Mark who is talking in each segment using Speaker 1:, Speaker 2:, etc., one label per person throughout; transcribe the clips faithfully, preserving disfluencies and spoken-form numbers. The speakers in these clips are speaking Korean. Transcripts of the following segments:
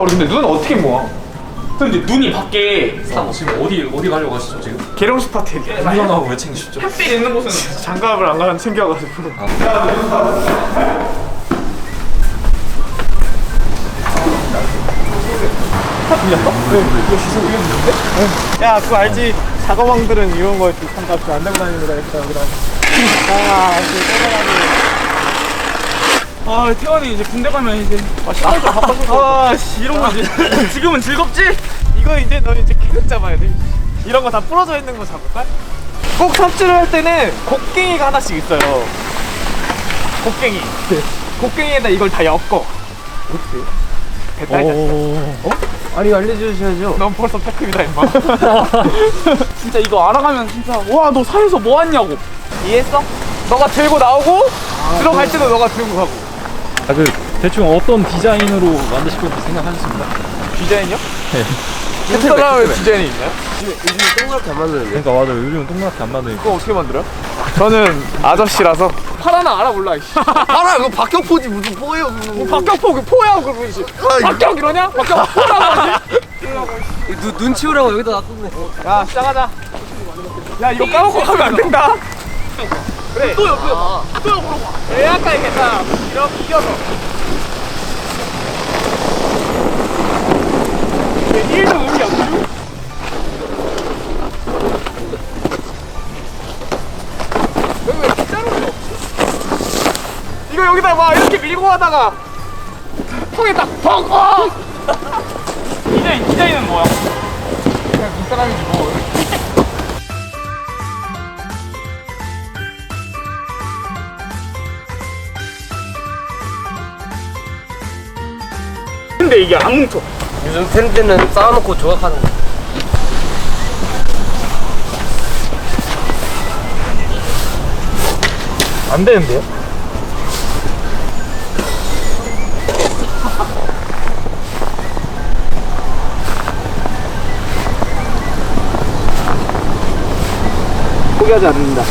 Speaker 1: 근데 눈 어떻게 모아?
Speaker 2: 근데 눈이 밖에 어, 지금 어디 어디 가려고 하시죠 지금?
Speaker 1: 계룡 스파트.
Speaker 2: 운전하고 왜 챙기셨죠?
Speaker 1: 햇빛 있는 곳은 장갑을 안 가면 챙겨가지고. 아. 야, 그거 알지? 작업왕들은 이런 거에 장갑 안 들고 다니는 거다 했다. 그럼. 아, 아, 태원이 이제 군대 가면 이제 아, 아, 씨, 이런 거 이제 지금은 즐겁지? 이거 이제 너 이제 계속 잡아야 돼. 이런 거 다 부러져 있는 거 잡을까? 꼭 삽질을 할 때는 곡괭이가 하나씩 있어요. 곡괭이. 곡괭이에다 이걸 다 엮어. 어떻게? 됐다 이제. 어?
Speaker 3: 아니 알려주셔야죠.
Speaker 1: 넌 벌써 패급이다 임마. 진짜 이거 알아가면 진짜 와 너 사에서 뭐 왔냐고. 이해했어? 너가 들고 나오고 아, 들어갈 때도 너가 들고 가고.
Speaker 4: 아, 그 대충 어떤 디자인으로 만드실 건지 생각하셨습니다.
Speaker 1: 디자인이요? 네. 햇살라의 디자인이 있나요?
Speaker 3: 요즘 동그랗게 안 만드는데.
Speaker 4: 그러니까 맞아요. 요즘은 동그랗게 안 만드니까.
Speaker 1: 그거 어떻게 만들어요? 저는 아저씨라서 파라나 알아 몰라.
Speaker 3: 알아 이거 박격포지 무슨 포예요 그거.
Speaker 1: 뭐 박격포 그 포야 그 뭐지? 박격 이러냐? 박격 포라고 하지?
Speaker 3: 눈, 눈 치우라고 여기다 놔뒀네.
Speaker 1: 야 시작하자. 야 이거 까먹고 가면 안 된다. 그래. 또 옆에 봐. 또 옆으로 봐. 왜 아까 이게 다 이렇게 끼어서. 일 도 의미 없죠? 여기 왜 빗자루가 없지? 이거 여기다 막 이렇게 밀고 하다가 통에 딱 펑! 어! 디자인, 디자인은 뭐야? 그냥 눈사람이지 뭐. 근데 이게 안 뭉쳐.
Speaker 3: 요즘 팬들은 쌓아놓고 조각하는 거.
Speaker 1: 안 되는데요? 포기하지 않는다.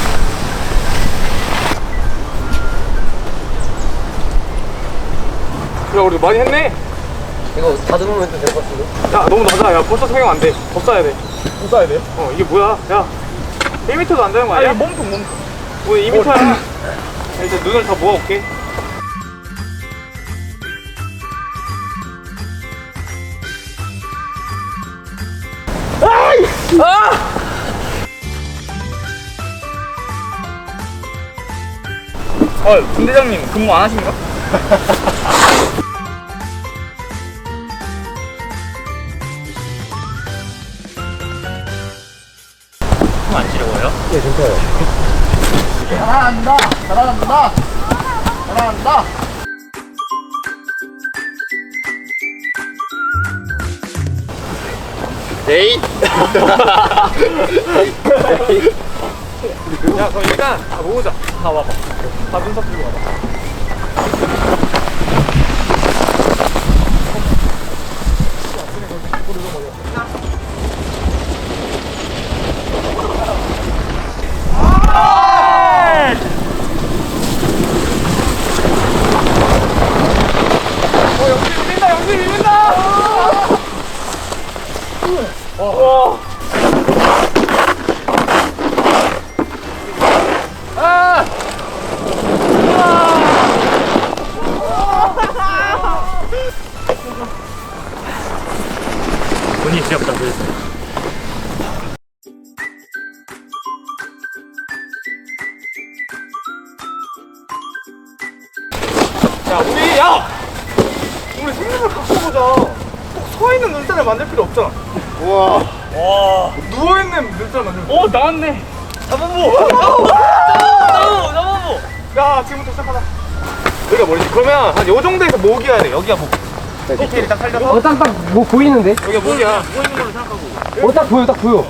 Speaker 1: 그래, 우리 많이 했네.
Speaker 3: 이거 다듬으면 될 것 같은데?
Speaker 1: 야, 너무 낮아. 야, 벌써 성형 안 돼. 더 싸야 돼. 더 싸야 돼요? 어, 이게 뭐야? 야, 일 미터도 안 되는 거 아니야? 아니, 몸통, 몸통. 오늘 이 미터야. 야, 이제 눈을 다 모아올게. 아이! 아! 어, 분대장님 근무 안 하십니까?
Speaker 4: 안 지려워요?
Speaker 3: 예, 괜찮아요.
Speaker 1: 잘한다! 잘한다! 잘한다!
Speaker 3: 에이!
Speaker 1: 야, 그럼 일단 다 모으자. 다 와봐. 다 눈썹 들고 와봐. 어, 영수 밀린다, 영수 밀린다! 와. 아!
Speaker 4: 돈이 지겹다 그래서.
Speaker 1: 야, 우리, 야! 우리 생각을 바꿔보자. 꼭 서있는 눈살을 만들 필요 없잖아. 우와. 와. 누워있는 눈살 만들면. 오, 나왔네. 나무모! 나무모! 나무모! 야, 지금부터 시작하자. 여기가 뭐지? 그러면 한 요 정도에서 목이어야 돼. 여기가 목. 디테일이 딱 살려서.
Speaker 3: 어, 딱, 딱, 뭐 보이는데?
Speaker 1: 여기가 목이야.
Speaker 4: 누워있는 걸로 생각하고.
Speaker 3: 어, 딱 보여, 딱 보여.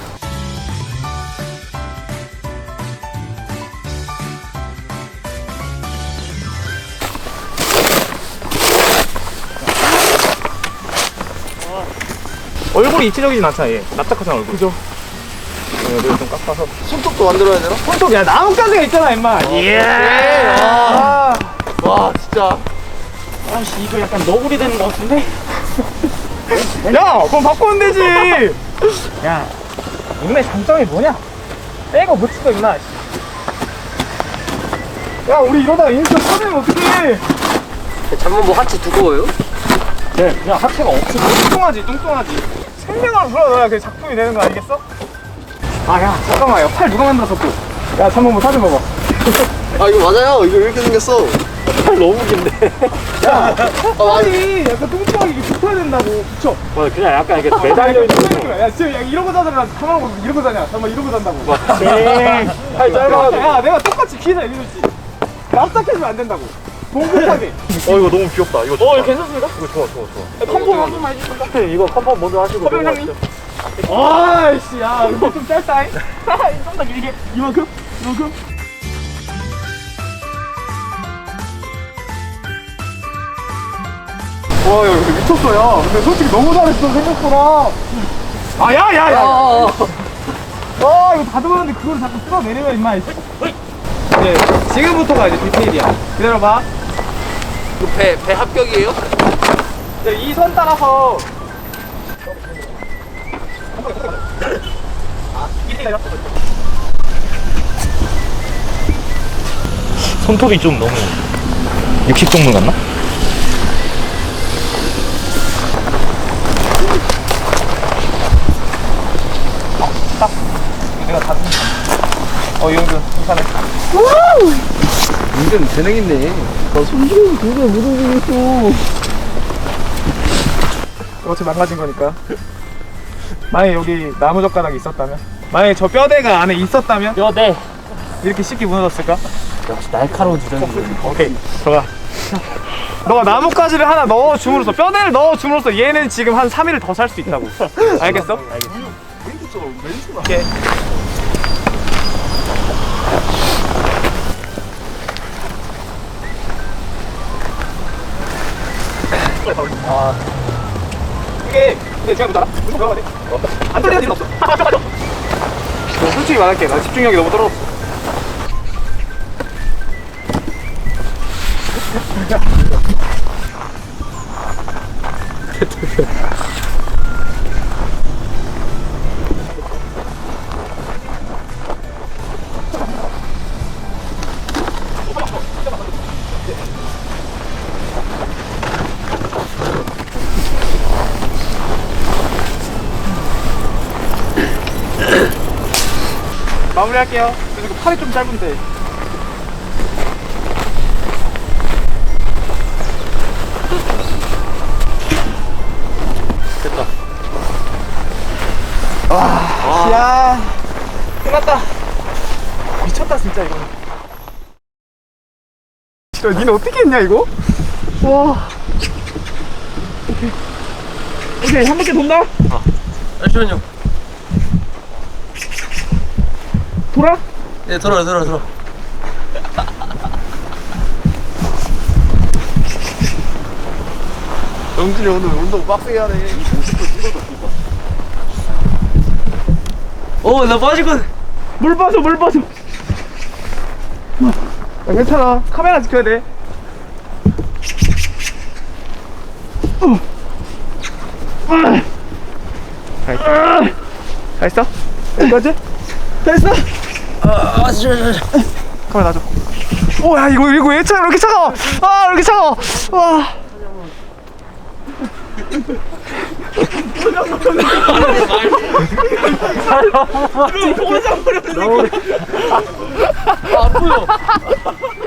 Speaker 1: 얼굴이 입체적이진 않잖아, 얘. 납작하잖아, 얼굴. 그죠? 여기를 좀 깎아서.
Speaker 3: 손톱도 만들어야 되나?
Speaker 1: 손톱, 야, 나뭇가지가 있잖아, 임마. 예. 아.
Speaker 3: 와, 진짜.
Speaker 1: 아씨, 이거 약간 너구리 되는 것 같은데? 야, 그럼 바꾸면 되지. 야, 이놈의 장점이 뭐냐? 빼고 못 치고 임마. 야, 우리 이러다가 인스타 터지면 어떡해?
Speaker 3: 잠만 뭐 하체 두꺼워요?
Speaker 4: 네, 그냥 하체가 없어.
Speaker 1: 뚱뚱하지, 뚱뚱하지. 생명을 불어넣어야 그 작품이 되는 거 아니겠어? 아, 야, 잠깐만, 야, 팔 누가 만들었어 또? 야, 잠깐만, 뭐 사진 봐봐.
Speaker 3: 아 이거 맞아요. 이거 이렇게 생겼어.
Speaker 1: 팔 너무 긴데. 야,
Speaker 3: 아,
Speaker 1: 팔이 약간 뚱뚱하게 이렇게 붙어야 된다고. 붙여.
Speaker 4: 뭐 그냥 약간 이게 매달려 있는 거죠.
Speaker 1: 야, 진짜 야, 이러고 자잖아. 가만 보고 이러고 자냐? 잠깐만, 이러고 잔다고.
Speaker 4: 팔 짧아가지고.
Speaker 1: 야, 내가 똑같이 기사 이러지. 납작해지면 안 된다고. 동급하게.
Speaker 4: 어 이거 너무 귀엽다. 이거
Speaker 1: 어, 이거 괜찮습니까?
Speaker 4: 이거 좋아 좋아 좋아.
Speaker 1: 컴포 한 번만 해주실까?
Speaker 4: 이거 컴펌 먼저 하시고.
Speaker 1: 허병 형님. 아이씨, 야, 이거 좀 짧다. 좀 더 길게. 이만큼? 이만큼? 와, 야, 이거 미쳤어, 야. 근데 솔직히 너무 잘했어, 생각보다. 아, 야, 야, 야.
Speaker 3: 아,
Speaker 1: 아, 이거 다듬었는데 그걸 자꾸 쓸어내려면, 임마. 이제, 지금부터가 이제 디테일이야. 기다려봐.
Speaker 3: 배, 배 합격이에요?
Speaker 1: 이 선 따라서.
Speaker 4: 손톱이 좀 너무 육식 동물 같나?
Speaker 1: 내가 다 어, 이 정도 괜찮아.
Speaker 3: 은근 재능 있네.
Speaker 1: 어차피 망가진 거니까. 만약에 여기 나무 젓가락이 있었다면, 만약에 저 뼈대가 안에 있었다면
Speaker 4: 뼈대.
Speaker 1: 이렇게 쉽게 무너졌을까?
Speaker 4: 역시 날카로운 주장이.
Speaker 1: 오케이, 들어가. 너가 나뭇가지를 하나 넣어줌으로써, 뼈대를 넣어줌으로써 얘는 지금 한 삼 일을 더 살 수 있다고. 알겠어? 오케이. 아, 이게 근데 제가 못 알아? 무슨 들어가야 돼? 안 떨리는 일은 없어. 아, 맞아, 맞아. 솔직히 말할게, 나 집중력이 너무 떨어졌어. 마무리할게요. 그리고 팔이 좀 짧은데.
Speaker 4: 됐다.
Speaker 1: 와, 야, 끝났다. 미쳤다 진짜 이거. 진짜 니는 어떻게 했냐 이거? 와. 오케이. 오케이, 한 바퀴 돈다.
Speaker 3: 잠시만요.
Speaker 1: 돌아?
Speaker 3: 네, 들어요, 들어요, 들어. 영준이 오늘 운동 빡세게 하네. 어, 나 빠지거든.
Speaker 1: 물 빠져, 물 빠져. 야, 괜찮아. 카메라 지켜야 돼. 어. 아. 다 있어. 다 있어? 여기까지? 다 있어?
Speaker 3: 아, 진짜, 진짜.
Speaker 1: 카메라 놔줘. 오, 야, 이거, 이거 왜 차, 이렇게 차가워? 아, 이렇게 차가워. 와.
Speaker 3: 아, 안 보여.